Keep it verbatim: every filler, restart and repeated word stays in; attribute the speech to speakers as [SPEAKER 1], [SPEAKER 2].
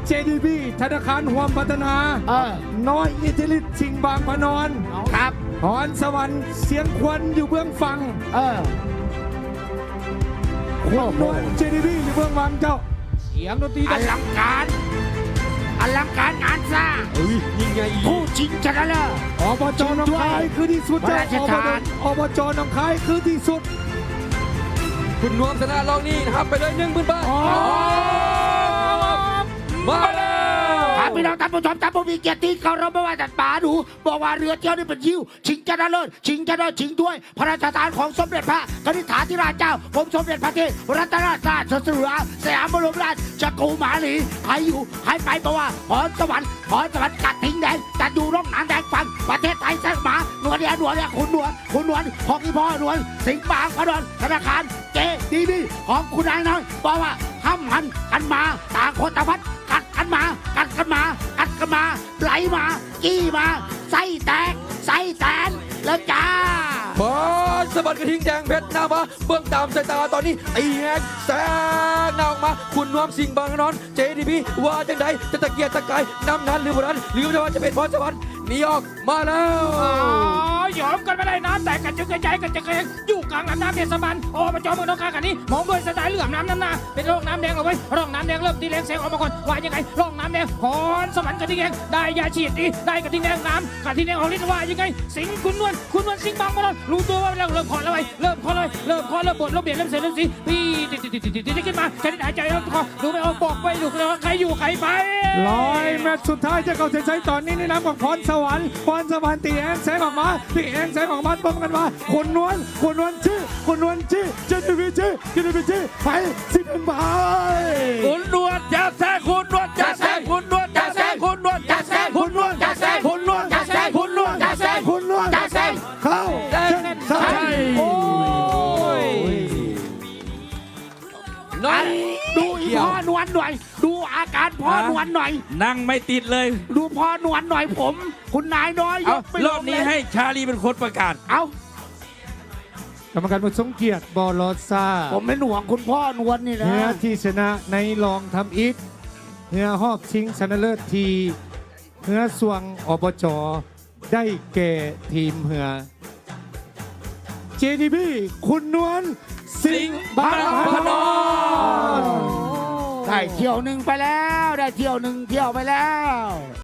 [SPEAKER 1] เจ ดี บี ธนาคารห่วมพัฒนา
[SPEAKER 2] เออ
[SPEAKER 1] น้อยอิทธิฤทธิ์ชิงบางพนอน
[SPEAKER 2] ครับ
[SPEAKER 1] พรสวรรค์เสียงควันอยู่เบื้องฟัง
[SPEAKER 2] เออ
[SPEAKER 1] คุณนวลเจ ดี บี อยู่เบื้องวังเจ้า
[SPEAKER 3] เสียงดนตรี
[SPEAKER 2] อลังการอลังการงานสร้าง
[SPEAKER 3] เฮ้ยยิ่งใหญ่อีก
[SPEAKER 2] ผู้ชิงชนะเลิศ
[SPEAKER 1] อบจหนองคายคือที่สุด
[SPEAKER 2] พระราช
[SPEAKER 1] อบ
[SPEAKER 2] ทาน
[SPEAKER 1] อบจหนองคายคือที่สุด
[SPEAKER 3] คุณนวมชนะรองนี่นะครับไปเลยหนึ่งหมื่นบาทมาแล้ว
[SPEAKER 2] ถามพี่น้องท่านผู้ชมท่านผู้มีเกียรติที่เคารพไม่ว่าแต่ป๋าดูบอกว่าเรือเที่ยวนี่เป็นยิวชิงชนะเลิศชิงชนะเลิศชิงถ้วยพระราชทานของสมเด็จพระกนิษฐาธิราชเจ้าผมสมเด็จพระเทพรัตนราชราชสุดาสยามบรมราชจักรมหาลีใครอยู่ใครไปบอกว่าพรสวรรค์พรสวรรค์กัดทิ้งแดงจัดอยู่ร่องน้ำแดงฟังประเทศไทยแสงหมาหนวดเนี่ยหนวดเนี่ยคุณหนวดคุณหนวดของอีพ่อหนวดสิงห์บางพระนอนธนาคารเจดีบีของคุณนายน้อยบอกว่าห้ามหันกันมาต่างคนต่างพัดกัดกันมากัดกันมากัดกันมาไหลมาจี้มาไส้แตกไส้แตนแล้วจ้า
[SPEAKER 3] บอลสะบัดกระทิงแดงเพชรหน้ามาเบื้องตามสายตาตอนนี้ไอ้แฮกแซงหน้าออกมาคุณนวมสิงห์บางนอนเจดีพีว่าจังใดจะตะเกียกตะกายนำนั้นหรือบ่นั้นหรือว่าจะเป็นพรสวรรค์หนีออกมาแล้ว
[SPEAKER 4] อ๋อยอมกันไม่ได้น้ำแต่กันจึงกระจายกันจะเกรงอยู่กลางลำน้ำเทศบาลอบจเมืองหนองคายกันนี้มองด้วยสายเหลื่อมน้ำน้ำหน้าเป็นร่องน้ำแดงเอาไว้ร่องน้ำแดงเริ่มตีแรงแสงออกมาก่อนว่ายังไงร่องน้ำแดงพรสวรรค์กระทิงแดงได้ยาฉีดดีได้กระทิงแดงน้ำกระทิงแดงของฤทธิ์ว่ายังไงสิงห์คุณนวลคุณนวลสิงห์บางมาแล้วรู้ตัวว่าเราเริ่มคอแล้วไว้เริ่มคอเลยเริ่มคอเริ่มบดเริ่มเบียดเริ่มเสียเริ่มสีพี่ติดติดติดติดติดขึ้นมาแค่นี้หายใจแล้วคอดูไม่ออกบอกไปดูเลยว่าใครอยู่ใครไป
[SPEAKER 1] ร้อยแมตช์สุดท้ายจะเข้าเส้นชัยตอนนี้ในน้ำของพรสวรรค์พรสวรรค์ตีแองแสงออกมาตีแองแสงออกมาป้องกันมาคุณนวลคุณนวลชื่อคุณนวลชื่อเจดีบีชื่อเจดีบีชื่อไปสิบเป็นใบ
[SPEAKER 4] คุณนวลจะแซงคุณนวลจะแซงคุณนวลจะแซงคุณนวลจะแซงคุณนวลจะแซงคุณนวลจะแซงคุณนวลจะแซง
[SPEAKER 1] คุณนวล
[SPEAKER 4] จะแซง
[SPEAKER 1] เข้าเส้นชัย
[SPEAKER 4] โอ้ย
[SPEAKER 3] น้อย
[SPEAKER 2] ดูอีพ่อนวลหน่อย ดูอาการพ่อนวลหน่อย
[SPEAKER 5] นั่งไม่ติดเลย
[SPEAKER 2] ดูพ่อนวลหน่อยผม คุณนายน้อยย
[SPEAKER 5] เอา
[SPEAKER 2] กไป
[SPEAKER 5] รอบนี้ให้ชาลีเป็นคนประกาศ
[SPEAKER 2] เอา
[SPEAKER 1] กรรมการผู้ทรงเกียรติบอลอซ่า
[SPEAKER 2] ผมเป็นห่วงคุณพ่อนวลนี่นะ
[SPEAKER 1] เนื้อที่ชนะในลองทำอิฐเนื้อหอบชิงชนะเลิศทีเนื้อสวงอบจได้แก่ทีมเหือ เจ ดี บี คุณนวลสิงห์บางพนอน
[SPEAKER 2] ได้เที่ยวหนึ่งไปแล้ว ได้เที่ยวหนึ่งเที่ยวไปแล้ว